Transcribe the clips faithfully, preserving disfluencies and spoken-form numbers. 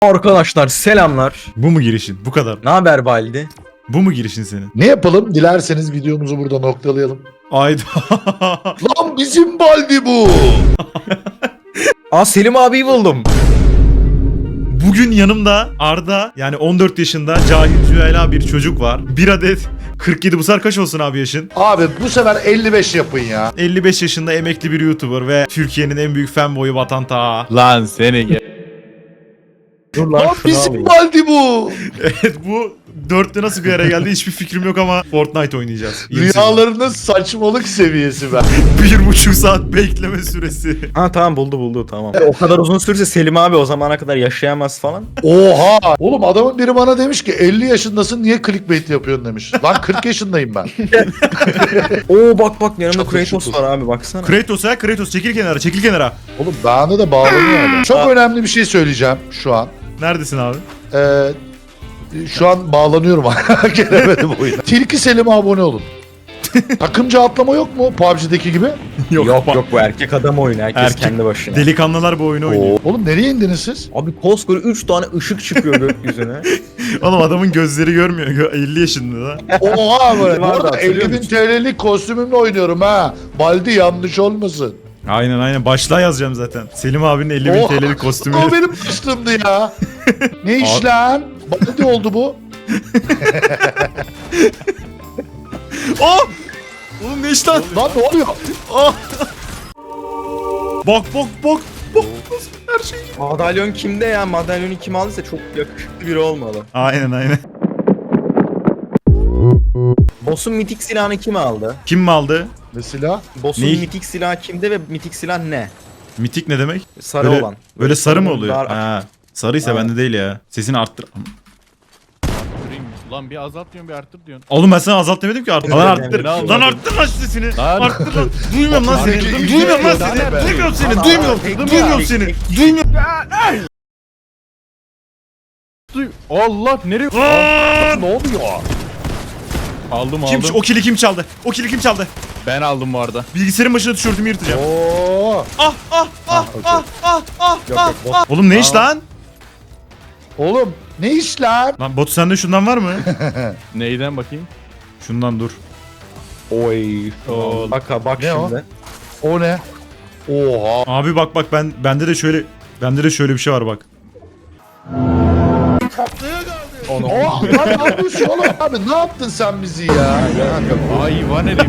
Arkadaşlar selamlar. Bu mu girişin? Bu kadar. Ne haber Baldi? Bu mu girişin senin? Ne yapalım? Dilerseniz videomuzu burada noktalayalım. Ayda. Lan bizim Baldi bu. Aa Selim abiyi buldum. Bugün yanımda Arda, yani on dört yaşında cahil cüela bir çocuk var. Bir adet kırk yedi, bu sefer kaç olsun abi yaşın? Abi bu sefer elli beş yapın ya. elli beş yaşında emekli bir YouTuber ve Türkiye'nin en büyük fanboyu Vatan Taha. Lan seni gel. Dur Lan şunu bizim alayım. Baldi bu. Evet, bu dörtlü nasıl bir araya geldi hiçbir fikrim yok ama Fortnite oynayacağız. Yeni sezon. Rüyalarının saçmalık seviyesi ben. Bir buçuk saat bekleme süresi. Ha tamam buldu buldu tamam. O kadar uzun sürse Selim abi o zamana kadar yaşayamaz falan. Oha. Oğlum adamın biri bana demiş ki elli yaşındasın niye clickbait yapıyorsun demiş. Lan kırk yaşındayım ben. Oo bak bak yanımda Çok Kratos yakışıklı. var abi baksana. Kratos ya, Kratos çekil kenara, çekil kenara. Oğlum bana da bağlanıyor adam. Çok önemli bir şey söyleyeceğim şu an. Neredesin abi? Ee, şu an bağlanıyorum. Gelemedim oyuna. Tilki Selim'e abone olun. Takımca atlama yok mu P U B G'deki gibi? Yok yok, bak. bu erkek adam oyunu herkes Erkek- kendi başına. Delikanlılar bu oyunu oynuyor. Oğlum nereye indiniz siz? Abi koskoca üç tane ışık çıkıyor gökyüzüne. Oğlum adamın gözleri görmüyor. Gö- elli yaşında da. Oha böyle. Bu Vardı, arada hatırlıyor elli bin musun? T L'lik kostümümle oynuyorum ha. Baldi yanlış olmasın. Aynen aynen. Başlığa yazacağım zaten. Selim abinin elli bin Oha. T L'lik kostümü. O benim başlığımdı ya. Ne iş lan? Baldi oldu bu. Oh! Oğlum ne iş lan? Lan ne oluyor? Oh! Bak bak bak. Bak nasıl her şey. Madalyon kimde ya? Madalyonu kim aldıysa çok yakışıklı biri olmalı. Aynen aynen. Boss'un mitik silahını kim aldı? Kim mi aldı? Mesela Boss'un Neyi? mitik silahı kimde ve mitik silah ne? Mitik ne demek? Sarı Böyle- olan. Böyle sarı mı oluyor? Dar- Ha. Sarıysa Ha. bende değil ya. Sesini arttır. Arttırayım. Ulan bir azalt diyorsun bir arttır diyorsun. Oğlum ben sana azalt demedim ki. Arttır. Lan arttır. Ne aldın? Lan arttır lan şu sesini. Lan. Arttır lan. Duymuyorum lan seni. Arttır. Duymuyorum lan Arttır. seni. Arttır. Duymuyorum seni. Arttır. Duymuyorum. Arttır. Duymuyorum seni. Duymuyorum. Duy. Allah nereye? Aa! ne oluyor? Aldım Kim aldım. o kili kim çaldı? O kili kim çaldı? Ben aldım bu arada. Bilgisayarın başına tişörtümü yırtacağım. Oo. Ah ah ah okey. ah ah ah Yok ah. yok boss. Oğlum ne iş lan? Oğlum ne iş lan? Lan Batu sende şundan var mı? Neyden bakayım? Şundan dur. Oy. Oo. Bak ha bak Ne o? şimdi. O ne? Oha. Abi bak bak ben bende de şöyle bende de şöyle bir şey var bak. Onu. Oha lan ne yapıyorsun oğlum? Abi ne yaptın sen bizi ya? Hayvan herif.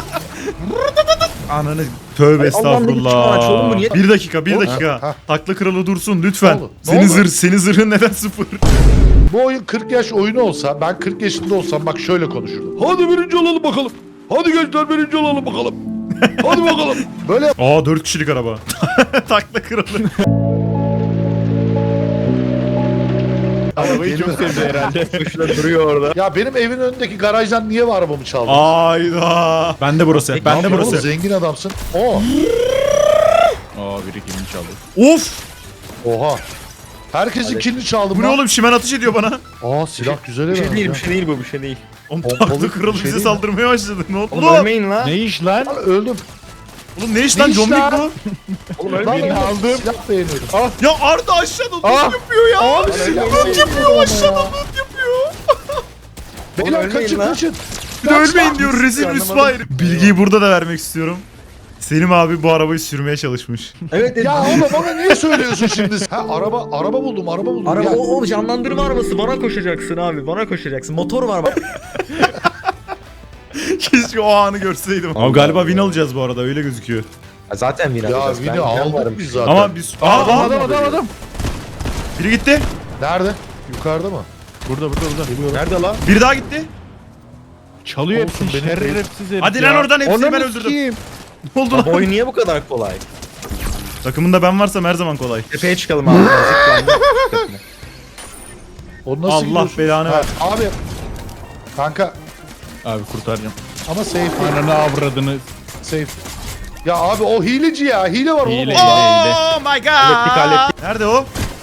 Ananı tövbe Ay, Allah'ım ne biçim araç oğlum bu, estağfurullah. niye- Bir dakika bir Oğlum, dakika. ha. Takla kralı dursun lütfen. Ne oldu? Ne Senin oldu? zırh senin zırhın neden sıfır? Bu oyun kırk yaş oyunu olsa ben kırk yaşında olsam bak şöyle konuşurdum. Hadi birinci olalım bakalım. Hadi gençler birinci olalım bakalım. Hadi bakalım. Böyle Aa dört kişilik araba. Takla kralı. Arabayı çok sevdi herhalde. Kuşla duruyor orada. ya benim evin önündeki garajdan niye var arabamı çaldın? Ayda. Ben de burası. Peki, Ben Ne de yapıyorsun burası. oğlum? Zengin adamsın. Oo. Aa biri kimin çaldı? Of! Oha. Herkesin kilini çaldım Bu ne lan. oğlum? Şimen ateş ediyor bana. Aa silah güzel Bir şey evet. değil bir şey değil bu bir şey değil. Oğlum Pompalı takla bir kralı şey bize değil mi? saldırmaya başladı. Ne oldu? Oğlum Oğlum, ölmeyin lan. Ne iş lan? Öldüm. Oğlum ne iş Ne lan? iş John Wick lan? bu. Oğlum Lan ölmeyin. oğlum, aldım. silah beğeniyorum. Ya Arda aşağıda loot Aa! yapıyor ya. Abi Lan silah ölmeyin. yapıyor aşağıda. Loot yapıyor. Beyler ölmeyin kaçın lan. kaçın. Bir de ölmeyin diyor. Rezil Anlamadım. rüsvay. Bilgiyi burada da vermek istiyorum. Selim abi bu arabayı sürmeye çalışmış. Evet evet. Ya oğlum bana niye söylüyorsun şimdi? Ha araba araba buldum araba buldum. Araba Gel. o, o canlandırma arabası bana koşacaksın abi bana koşacaksın motor var bak. Keşke o anı görseydim. Ama galiba win alacağız bu arada öyle gözüküyor. Zaten win Ya alacağız. Vini Ben aldık varım. biz zaten. Ama biz... Aa, Aa, adam aa, adam adam adam. biri gitti. Nerede? Yukarıda mı? Burada burada burada. Nerede lan? Biri daha gitti. Çalıyor Olsun, hepsini benim- şerefsiz herif Hadi ya. lan oradan hepsini Onu ben mu öldürdüm. sikeyim? Ne oldu Lan bu lan? oyun niye bu kadar kolay? Takımında ben varsam her zaman kolay. Tepeye çıkalım abi. Zıplayalım. Onu nasıl Allah gidiyorsun? belanı Ha, ver. Abi. Kanka Abi kurtaracağım. ama safe Ananı avradını. safe. Ya abi o hileci ya. Hile var Hile, oğlum. hile. Oh my god. Hallettik, hallettik. Nerede o?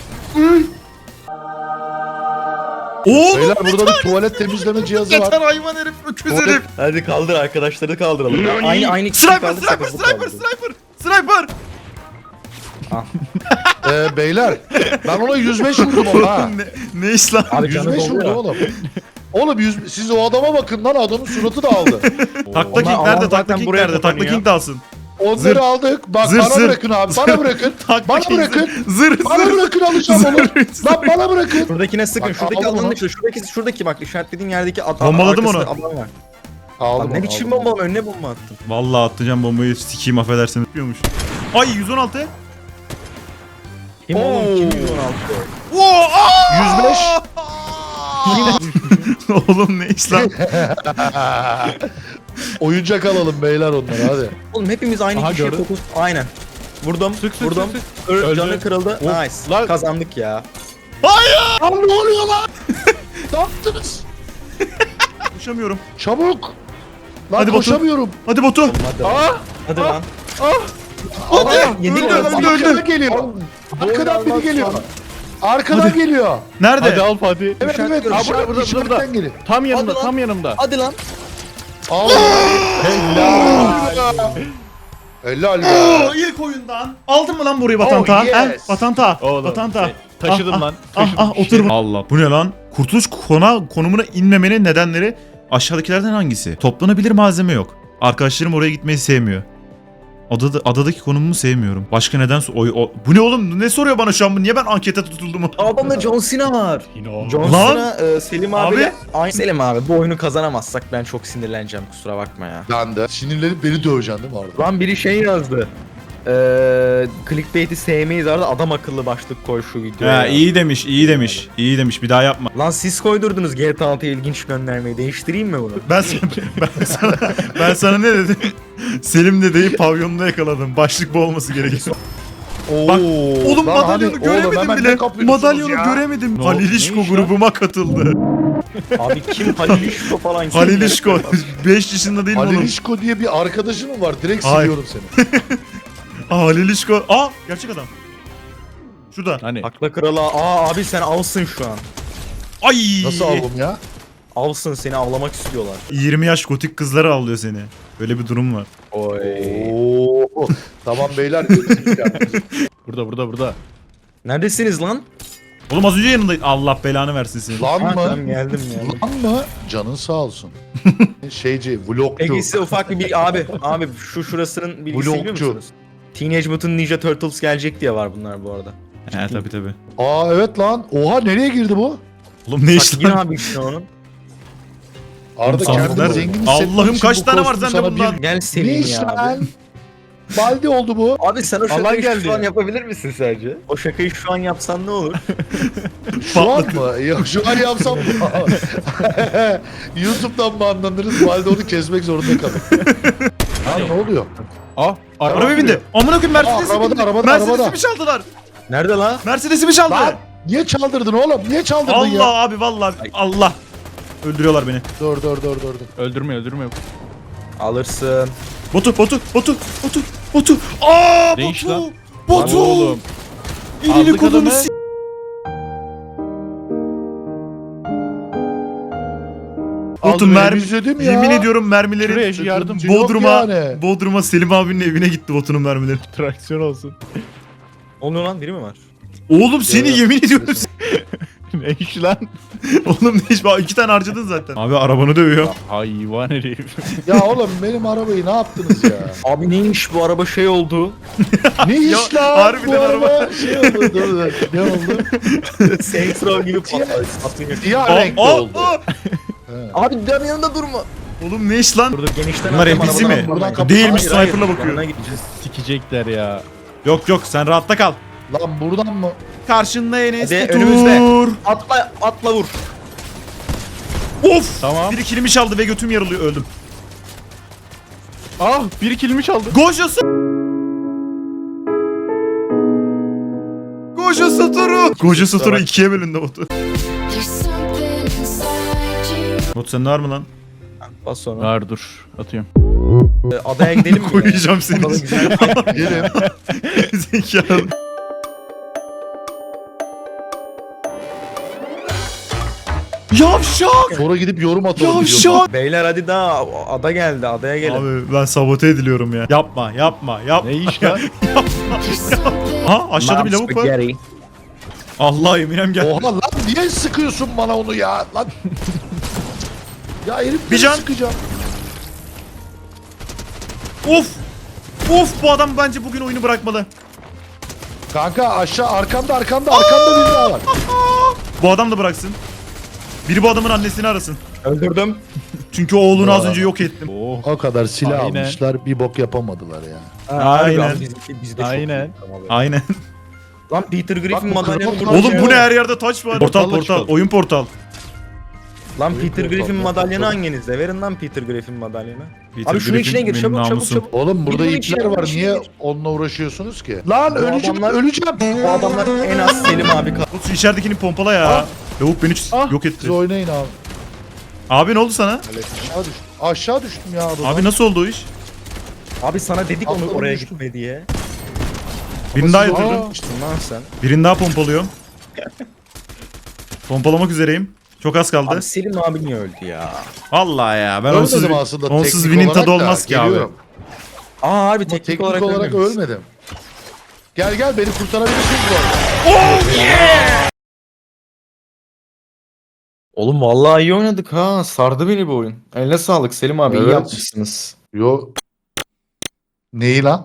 Oğlum Beyler burada bir tuvalet temizleme cihazı var. yeter hayvan herif, öküz Tuvalet- herif. Hadi kaldır arkadaşları kaldıralım. Aynı aynı kişi Sniper, kaldırsak sniper, bu sniper, kaldı. sniper, sniper. Ah. Ee, beyler ben ona yüz beş vurdum ama ha. ne, ne iş lan? Abi yüz canı beş doldu vurdum ya. oğlum. Oğlum yüz, siz o adama bakın lan, adamın suratı da aldı. Takla Onlar- King onlar nerede? zaten Takla King buraya nerede? Takla kapanıyor. King de alsın. Onları Zır. aldık. Bak Zır, bana zır. bırakın abi. Bana bırakın. Takla Bana King bırakın. Zır zır. Bana bırakın alacağım onu. Lan bana bırakın. Şuradakine sıkın. Bak, Şuradaki aldım alanın onu. dışında. Şuradaki, şuradaki bak işaretlediğin yerdeki ad, Bombaladım arkasında onu. adam var. Aldım Lan ne onu, biçim aldım. bomba, önüne bomba attın. Vallahi atacağım bombayı, sikeyim affedersin. Yapıyormuş. Ay yüz on altı. Kim oğlum? Kim yüz on altı? Oo! aa! yüz beş. Oğlum ne iş lan? Oyuncak alalım beyler onlara hadi. Oğlum hepimiz aynı Aha, kişiye gördüm. fokus. Aynen. Vurdum. Sık sık vurdum. sık sık. Ö- Öldü. Canı kırıldı. Of, Nice. lan. Kazandık ya. Lan ne oluyor lan? Ne yaptınız? Koşamıyorum. Çabuk. Lan Hadi Batu. koşamıyorum. Hadi Batu. Hadi lan. Aa! Hadi lan. Hadi. Yedik Öldü, lan. öldü, öldü. Arkadan geliyor. Arkadan biri geliyor. Arkadan Hadi. geliyor. Nerede? Hadi al Fatih. Evet İşaret evet. görüyorum. İşaret, Burada, burada, işaretten geliyor. Tam yanımda, Hadi lan. tam yanımda. Hadi lan. Al. Helal. Helal be. Oo, ilk oyundan. Aldın mı lan burayı Batanta? Oh, yes. He? Batanta. Oğlum, Batanta. şey, taşıdım Ah, lan. Ah Taşıdım. ah otur. Allah. Bu ne lan? Kurtuluş kona konumuna inmemenin nedenleri aşağıdakilerden hangisi? Toplanabilir malzeme yok. Arkadaşlarım oraya gitmeyi sevmiyor. Adada, adadaki konumumu sevmiyorum. Başka neden so- o, o- bu ne oğlum? Ne soruyor bana şu an? Bu niye ben ankete tutuldum? Adamda John Cena var. Yine John Lan. Cena, e, Selim Abi. abi. Aynı Selim abi, bu oyunu kazanamazsak ben çok sinirleneceğim, kusura bakma ya. Ben de. Sinirlenip beni döveceksin değil mi Arda? Lan biri şey yazdı. Eee clickbait'i sevmeyiz arada, adam akıllı başlık koy şu videoya. Ha, iyi demiş, iyi demiş. İyi demiş. Bir daha yapma. Lan siz koydurdunuz G T A altıya ilginç göndermeyi. Değiştireyim mi bunu? Ben sana, ben sana, ben sana ne dedim? Selim dedeyi pavyonda yakaladım. Başlık bu olması gerekiyor. Oo, Bak, Oğlum lan madalyonu hani- göremedim oğlum hemen bile. ne kapıyorsunuz Madalyonu ya? göremedim. Ne Halil oldu? İşko Ne iş lan? grubuma katıldı. Abi kim Halil İşko falan kim? Halil İşko. beş yaşında değil mi Halil oğlum? İşko diye bir arkadaşın mı var? Direkt Hayır. siliyorum seni. Aa, Halil İşko. Aa gerçek adam. Şurada. Hani Akla krala. Aa abi sen avsın şu an. Ay. Nasıl aldım ya? Avsın, seni avlamak istiyorlar. yirmi yaş gotik kızları avlıyor seni. Böyle bir durum var. Oy. Oo. Tamam beyler. görüşürüz ya. burada burada burada. Neredesiniz lan? Oğlum az önce yanındaydın. Allah belanı versin seni. Lan Ha, tamam, mı? geldim geldim. Lan mı? Canın sağ olsun. Şeyci, vlogcu. Peki size ufak bir bilgi abi. Abi şu şurasının bilgisini biliyor Vlogcu. musunuz? Teenage Mutant Ninja Turtles gelecek diye var bunlar bu arada. He tabi tabi. Aa evet lan. Oha nereye girdi bu? Oğlum ne Bak iş yine lan? abi işte onun. Arda Oğlum, kendini nerede? zengin hissetmek Allah'ım için kaç bu tane var kostüm sende sana bundan? bir- Gel Ne Selim iş ya abi. lan? Baldi oldu bu. Abi sen o Alan şakayı geldi şu an ya. yapabilir misin sence? O şakayı şu an yapsan ne olur? Şu an mı? Yok şu an yapsam YouTube'dan banlanırız. Baldi onu kesmek zorunda kalır. Lan ne oluyor? Ah, Arabaya bindi. Amına koyayım Mercedes'i Aa, arabada, bindi. arabada, Mercedes'i arabada. mi çaldılar? Nerede la? Mercedes'i mi çaldı? Lan niye çaldırdın oğlum? Niye çaldırdın Allah ya? abi vallahi Allah. Öldürüyorlar beni. Dur dur dur dur. dur. Öldürme öldürme. Alırsın. Botu, botu, botu, botu, botu. Aa, Ne iş botu. lan? Botu. Lan oğlum. Elini Aldık kolunu adamı. s- Botu Aldım, mermi. elimi izledim ya. Yemin ediyorum mermilerin Şuraya şu yardım. Yok Bodrum'a, yani. Bodrum'a Selim abinin evine gitti botunun mermileri. Traksiyon olsun. Oluyor lan, biri mi var? Oğlum seni Evet. yemin ediyorum. ne iş lan? Oğlum ne iş? Bak, iki tane harcadın zaten. Abi arabanı dövüyor. Hayvan herif. Ya oğlum benim arabayı ne yaptınız ya? Abi neymiş bu araba şey oldu. Ne iş Ya, lan? harbiden Bu araba. Şey oldu dur dur. Ne oldu? Saints Row gibi patladı. Siyah Aa, renkli aa, oldu. aa. He. Abi dön yanında durma. Oğlum ne iş lan? Burada genişten Bunlar attım, N P C arabadan mi? buradan kapı- Değilmiş, Hayır, hayır, sniper'la bakıyor. yanına gideceğiz. Sikecekler ya. Yok yok sen rahatta kal. Lan buradan mı? Karşında Enes Hadi, Batur. önümüzde. Atla atla vur. Of! Tamam. Biri kilimi çaldı ve götüm yarılıyor öldüm. Ah, bir kilimi çaldı. Gojo Gojo Satoru. Gojo Satoru ikiye bölündü botu. There's something inside you. Bot sen ne var mı lan? Bas sonra. Ver dur. Atıyorum. Ee, Adaya gidelim mi? Koyacağım seni. Adada güzel. Gelin. Zekalı. Yavşak! Sonra gidip yorum atalım. Yavşak! Beyler hadi daha ada geldi adaya gelin. Abi ben sabote ediliyorum ya. Yapma yapma yapma. Ne iş lan? There's something Ha aşağıda bir Mom lavuk var. spaghetti. Allah Eminem gel. Oha lan niye sıkıyorsun bana onu ya? Lan. Ya herif Bir can. sıkacağım. Of! Of bu adam bence bugün oyunu bırakmalı. Kanka aşağı arkanda arkanda arkanda bir daha var. Bu adam da bıraksın. Biri bu adamın annesini arasın. Öldürdüm. Çünkü oğlunu az önce yok ettim. Oh. O kadar silah Aynen. almışlar bir bok yapamadılar ya. Ha, Aynen. harbi abi, Biz, biz de çok Aynen. iyi. Tamam abi. Aynen. Lan Peter Griffin Bak bu madalyonu kral- burada. Oğlum bu ne her yerde taç var. Portal Portalla portal. çıkalım. Oyun portal. Lan Peter portal, Griffin ne madalyonu portal? hanginizde? Verin lan Peter Griffin madalyonu. Peter Abi şunun Griffin içine gir benim çabuk çabuk namusum. çabuk. Oğlum burada Bunun ipler içine- var içine niye gir. onunla uğraşıyorsunuz ki? Lan öleceğim adamlar- öleceğim. Bu adamlar en az Selim abi kaldı. Oğlum şu içeridekini pompala ya. Ah. Lavuk beni ç- Ah, yok Siz etti. oynayın abi. Abi ne oldu sana? Aşağı düştüm. Aşağı düştüm ya adadan. Abi nasıl oldu o iş? Abi sana dedik onu Atladım, oraya düştüm. gitme diye. Birini daha siz- yatırdım. Aa. İşte lan sen. Birini daha pompalıyorum. Pompalamak üzereyim. Çok az kaldı. Abi Selim abi niye öldü ya? Vallahi ya ben Ölmedim onsuz, aslında onsuz teknik win'in olarak tadı da, olmaz ki abi. geliyorum. Aa harbi Ama teknik, teknik olarak, olarak, ölmemişsin. ölmedim. Gel gel beni kurtarabilirsiniz bu arada. Oğlum vallahi iyi oynadık ha. Sardı beni bu oyun. Eline sağlık Selim abi. iyi Evet. yapmışsınız. Yo. Neyi lan?